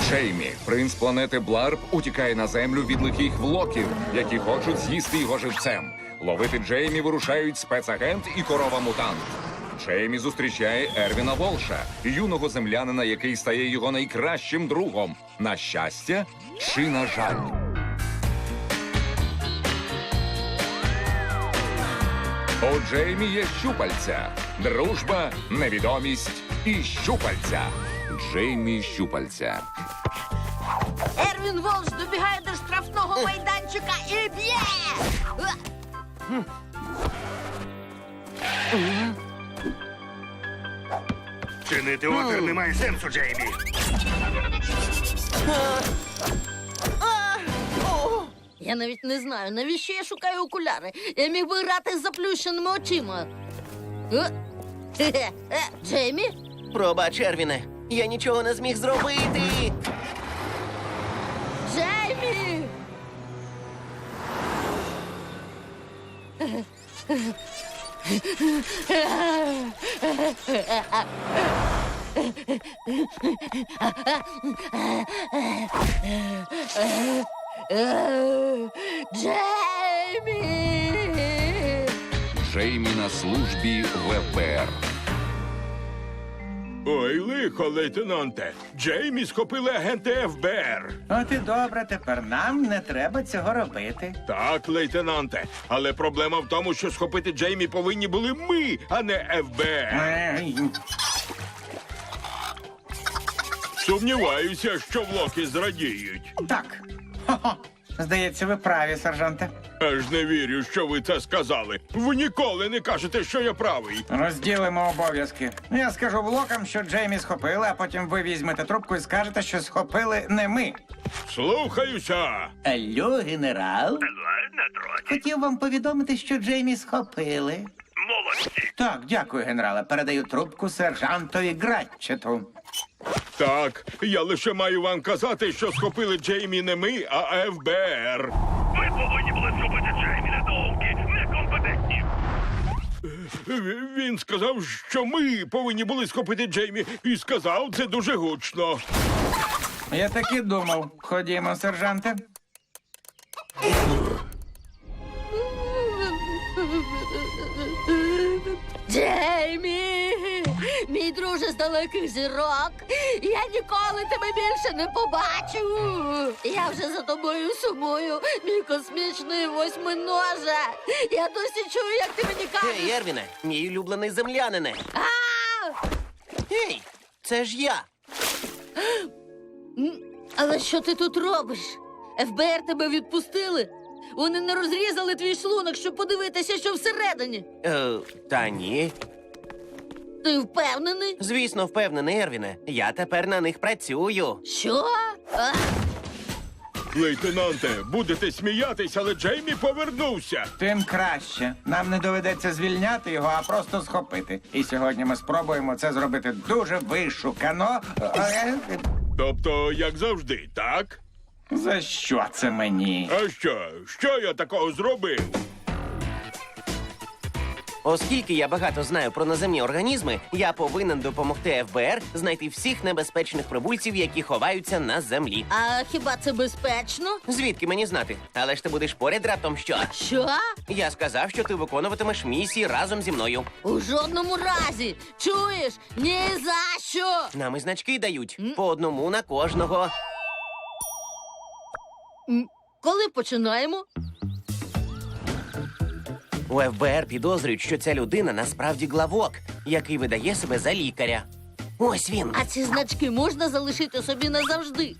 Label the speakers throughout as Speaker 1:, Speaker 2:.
Speaker 1: Джеймі, принц планети Бларб, утікає на землю від лихих влоків, які хочуть з'їсти його живцем. Ловити Джеймі вирушають спецагент і корова-мутант. Джеймі зустрічає Ервіна Волша, юного землянина, який стає його найкращим другом. На щастя чи на жаль? У Джеймі є щупальця. Дружба, невідомість і щупальця. Джеймі щупальця.
Speaker 2: Ервін Волш добігає до штрафного майданчика і б'є!
Speaker 3: Чинити опір немає сенсу, Джеймі.
Speaker 2: Я навіть не знаю, навіщо я шукаю окуляри. Я міг би грати з заплющеними очима. Джеймі?
Speaker 4: Пробач, Ервіне, я нічого не зміг зробити.
Speaker 2: Джеймі! Джеймі!
Speaker 1: Джеймі на службі в ФБР.
Speaker 3: Ой, лихо, лейтенанте. Джеймі схопили агенти ФБР.
Speaker 5: От і добре, тепер нам не треба цього робити.
Speaker 3: Так, лейтенанте. Але проблема в тому, що схопити Джеймі повинні були ми, а не ФБР.
Speaker 5: Ей,
Speaker 3: Сумніваюся, що влоки зрадіють.
Speaker 5: Так. Хо-хо. Здається, ви праві, сержанте.
Speaker 3: Аж не вірю, що ви це сказали. Ви ніколи не кажете, що я правий.
Speaker 5: Розділимо обов'язки. Я скажу блокам, що Джеймі схопили, а потім ви візьмете трубку і скажете, що схопили не ми.
Speaker 3: Слухаюся.
Speaker 5: Алло, генерал. Хотів вам повідомити, що Джеймі схопили.
Speaker 3: Молодці.
Speaker 5: Так, дякую, генерале. Передаю трубку сержантові Гратчету.
Speaker 3: Так, я лише маю вам казати, що схопили Джеймі не ми, а ФБР.
Speaker 6: Ви повинні були зробити Джеймі недовгі, некомпетентні.
Speaker 3: Він сказав, що ми повинні були схопити Джеймі, і сказав це дуже гучно.
Speaker 5: Я так і думав. Ходімо, сержанте.
Speaker 2: Джеймі! Мій друже з далеких зірок! Я ніколи тебе більше не побачу! Я вже за тобою сумую, мій космічний восьминоже! Я досі чую, як ти мені кажеш!
Speaker 4: Ей, Ервіне, мій улюблений землянине.
Speaker 2: А!
Speaker 4: Ей, це ж я.
Speaker 2: Але що ти тут робиш? ФБР тебе відпустили? Вони не розрізали твій шлунок, щоб подивитися, що всередині.
Speaker 4: Та ні.
Speaker 2: Ти впевнений?
Speaker 4: Звісно, впевнений, Ервіне. Я тепер на них працюю.
Speaker 2: Що? А?
Speaker 3: Лейтенанте, будете сміятись, але Джеймі повернувся.
Speaker 5: Тим краще. Нам не доведеться звільняти його, а просто схопити. І сьогодні ми спробуємо це зробити дуже вишукано.
Speaker 3: Тобто, як завжди, так?
Speaker 5: За що це мені?
Speaker 3: А що? Що я такого зробив?
Speaker 4: Оскільки я багато знаю про наземні організми, я повинен допомогти ФБР знайти всіх небезпечних прибульців, які ховаються на землі.
Speaker 2: А хіба це безпечно?
Speaker 4: Звідки мені знати? Але ж ти будеш поряд раптом що?
Speaker 2: Що?
Speaker 4: Я сказав, що ти виконуватимеш місії разом зі мною.
Speaker 2: У жодному разі. Чуєш? Ні за що.
Speaker 4: Нам і значки дають. По одному на кожного.
Speaker 2: Коли починаємо?
Speaker 4: У ФБР підозрюють, що ця людина насправді главок, який видає себе за лікаря. Ось він.
Speaker 2: А ці значки можна залишити собі назавжди.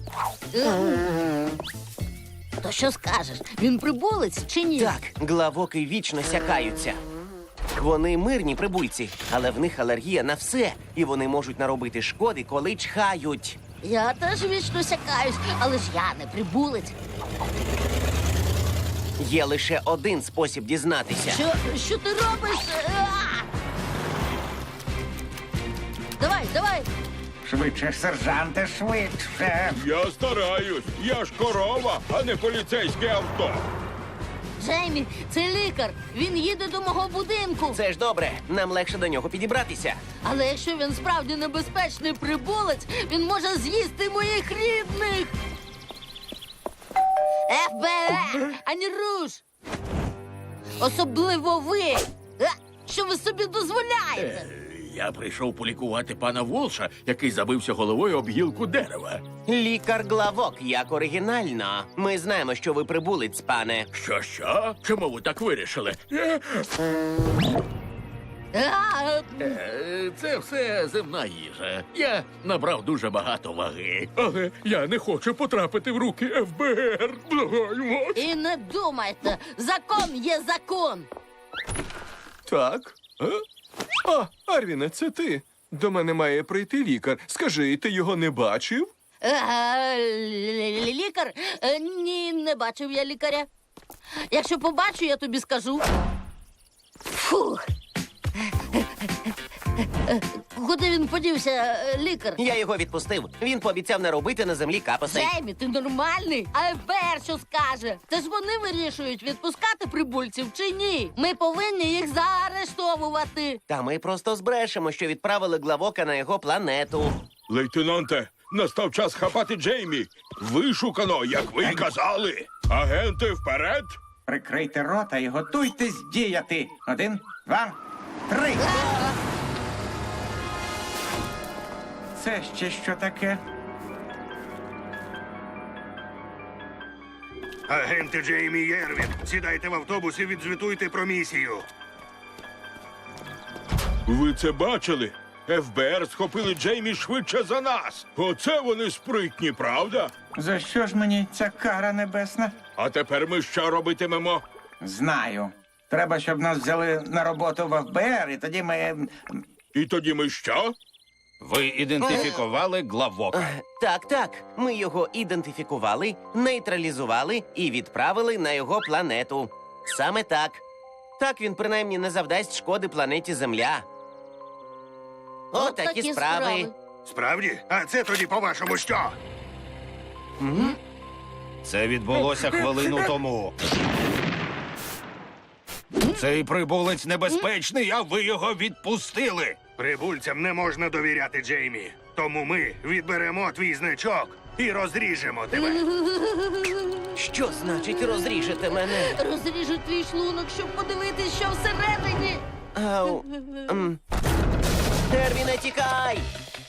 Speaker 2: То що скажеш? Він прибулець чи ні?
Speaker 4: Так, главоки вічно сякаються. Вони мирні прибульці, але в них алергія на все, і вони можуть наробити шкоди, коли чхають.
Speaker 2: Я теж вічно сякаюсь, але ж я не прибулець.
Speaker 4: Є лише один спосіб дізнатися.
Speaker 2: Що ти робиш? Давай.
Speaker 5: Швидше, сержанте, швидше.
Speaker 3: Я стараюсь. Я ж корова, а не поліцейське авто.
Speaker 2: Джеймі, це лікар. Він їде до мого будинку.
Speaker 4: Це ж добре, нам легше до нього підібратися.
Speaker 2: Але якщо він справді небезпечний прибулець, він може з'їсти моїх рідних. ФБР! Ані руш! Особливо ви! Що ви собі дозволяєте?
Speaker 7: Я прийшов полікувати пана Волша, який забився головою об гілку дерева.
Speaker 4: Лікар-главок, як оригінально. Ми знаємо, що ви прибулець, пане.
Speaker 7: Що? Чому ви так вирішили? Це все земна їжа. Я набрав дуже багато ваги. Але я не хочу потрапити в руки ФБР. Благаю вас.
Speaker 2: І не думайте, закон є закон.
Speaker 8: Так. А, Арвіне, це ти. До мене має прийти лікар. Скажи, ти його не бачив?
Speaker 2: Лікар? Ні, не бачив я лікаря. Якщо побачу, я тобі скажу. Фух. Куди він подівся, лікар?
Speaker 4: Я його відпустив. Він пообіцяв не робити на землі капусей.
Speaker 2: Джеймі, ти нормальний? А ФБР що скаже? Це ж вони вирішують, відпускати прибульців чи ні. Ми повинні їх заарештовувати.
Speaker 4: Та ми просто збрешемо, що відправили главока на його планету.
Speaker 3: Лейтенанте, настав час хапати Джеймі. Вишукано, як ви й казали. Агенти вперед!
Speaker 5: Прикрийте рота і готуйтесь діяти. 1, 2, 3. Це ще що таке?
Speaker 6: Агенти Джеймі і Ервін, сідайте в автобус і відзвітуйте про місію.
Speaker 3: Ви це бачили? ФБР схопили Джеймі швидше за нас. Оце вони спритні, правда?
Speaker 5: За що ж мені ця кара небесна?
Speaker 3: А тепер ми що робитимемо?
Speaker 5: Знаю. Треба, щоб нас взяли на роботу в ФБР, і тоді ми...
Speaker 3: І тоді ми що?
Speaker 9: Ви ідентифікували главока.
Speaker 4: Так. Ми його ідентифікували, нейтралізували і відправили на його планету. Саме так. Так він принаймні не завдасть шкоди планеті Земля. Отакі справи.
Speaker 6: Справді? А це тоді, по-вашому, що?
Speaker 9: Це відбулося хвилину тому. Цей прибулець небезпечний, а ви його відпустили.
Speaker 6: Прибульцям не можна довіряти, Джеймі. Тому ми відберемо твій значок і розріжемо тебе.
Speaker 4: Що значить розріжете мене?
Speaker 2: Розріжу твій шлунок, щоб подивитись, що всередині.
Speaker 4: Ау. Ервіне, тікай!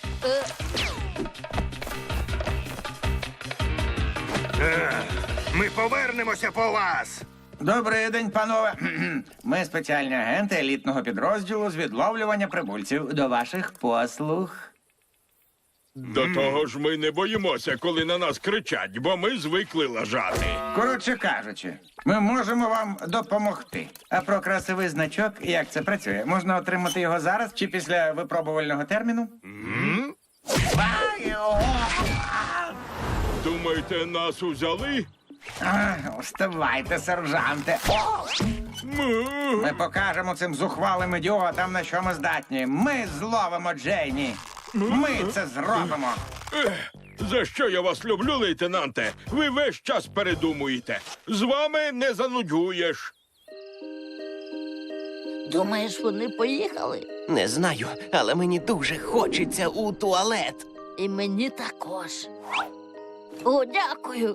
Speaker 6: Ми повернемося по вас.
Speaker 5: Добрий день, панове. Ми спеціальні агенти елітного підрозділу з відловлювання прибульців. До ваших послуг.
Speaker 3: До того ж ми не боїмося, коли на нас кричать, бо ми звикли лажати.
Speaker 5: Коротше кажучи, ми можемо вам допомогти. А про красивий значок, як це працює? Можна отримати його зараз чи після випробувального терміну?
Speaker 3: Думаєте, нас узяли?
Speaker 5: Вставайте, сержанте. Ми покажемо цим зухвалим ідіотам, на що ми здатні. Ми зловимо Джейні. Ми це зробимо.
Speaker 3: За що я вас люблю, лейтенанте? Ви весь час передумуєте. З вами не занудюєш.
Speaker 2: Думаєш, вони поїхали?
Speaker 4: Не знаю, але мені дуже хочеться у туалет.
Speaker 2: І мені також. О, дякую.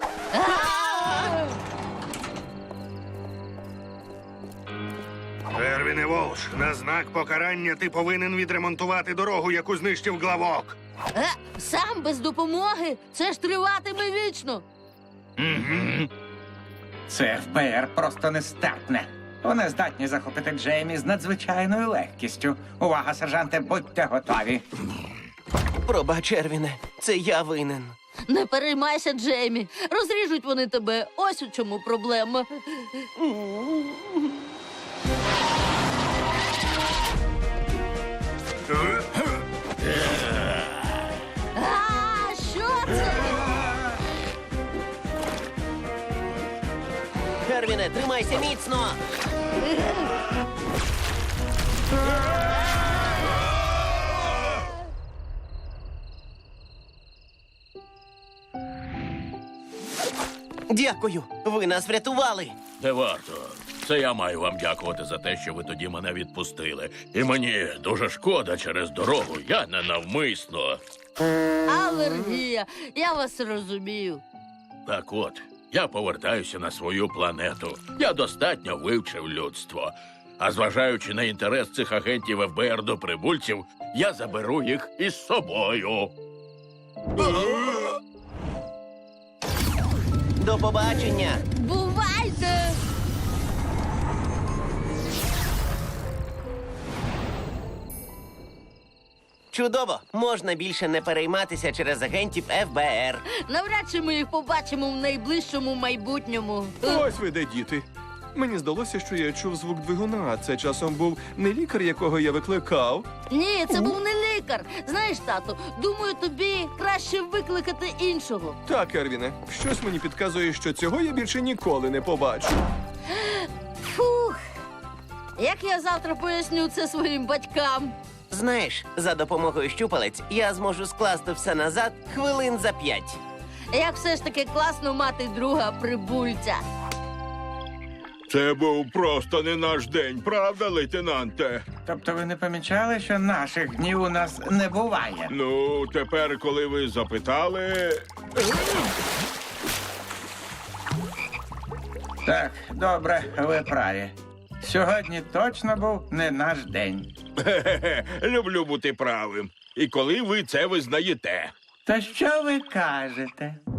Speaker 6: Ервіне Волш, на знак покарання ти повинен відремонтувати дорогу, яку знищив главок.
Speaker 2: Сам без допомоги? Це ж триватиме вічно.
Speaker 5: Це ФБР просто нестерпне. Вони здатні захопити Джеймі з надзвичайною легкістю. Увага, сержанте, будьте готові.
Speaker 4: Пробач, Ервіне, це я винен.
Speaker 2: Не переймайся, Джеймі. Розріжуть вони тебе. Ось у чому проблема. Що це?
Speaker 4: Ервіне, тримайся міцно! Дякую, ви нас врятували.
Speaker 7: Не варто. Це я маю вам дякувати за те, що ви тоді мене відпустили. І мені дуже шкода через дорогу. Я ненавмисно.
Speaker 2: Алергія, я вас розумію.
Speaker 7: Так от, я повертаюся на свою планету. Я достатньо вивчив людство. А зважаючи на інтерес цих агентів ФБР до прибульців, я заберу їх із собою.
Speaker 4: До побачення!
Speaker 2: Бувайте!
Speaker 4: Чудово! Можна більше не перейматися через агентів ФБР.
Speaker 2: Навряд чи ми їх побачимо в найближчому майбутньому.
Speaker 8: Ось ви де, діти. Мені здалося, що я чув звук двигуна, а це часом був не лікар, якого я викликав.
Speaker 2: Ні, це був не лікар. Знаєш, тату, думаю, тобі краще викликати іншого.
Speaker 8: Так, Ервіне, щось мені підказує, що цього я більше ніколи не побачу.
Speaker 2: Фух. Як я завтра поясню це своїм батькам?
Speaker 4: Знаєш, за допомогою щупалець я зможу скласти все назад хвилин за 5.
Speaker 2: Як все ж таки класно мати друга прибульця.
Speaker 3: Це був просто не наш день, правда, лейтенанте?
Speaker 5: Тобто ви не помічали, що наших днів у нас не буває?
Speaker 3: Ну, тепер, коли ви запитали.
Speaker 5: Так, добре, ви праві. Сьогодні точно був не наш день.
Speaker 3: Хе-хе-хе, люблю бути правим. І коли ви це визнаєте.
Speaker 5: То що ви кажете?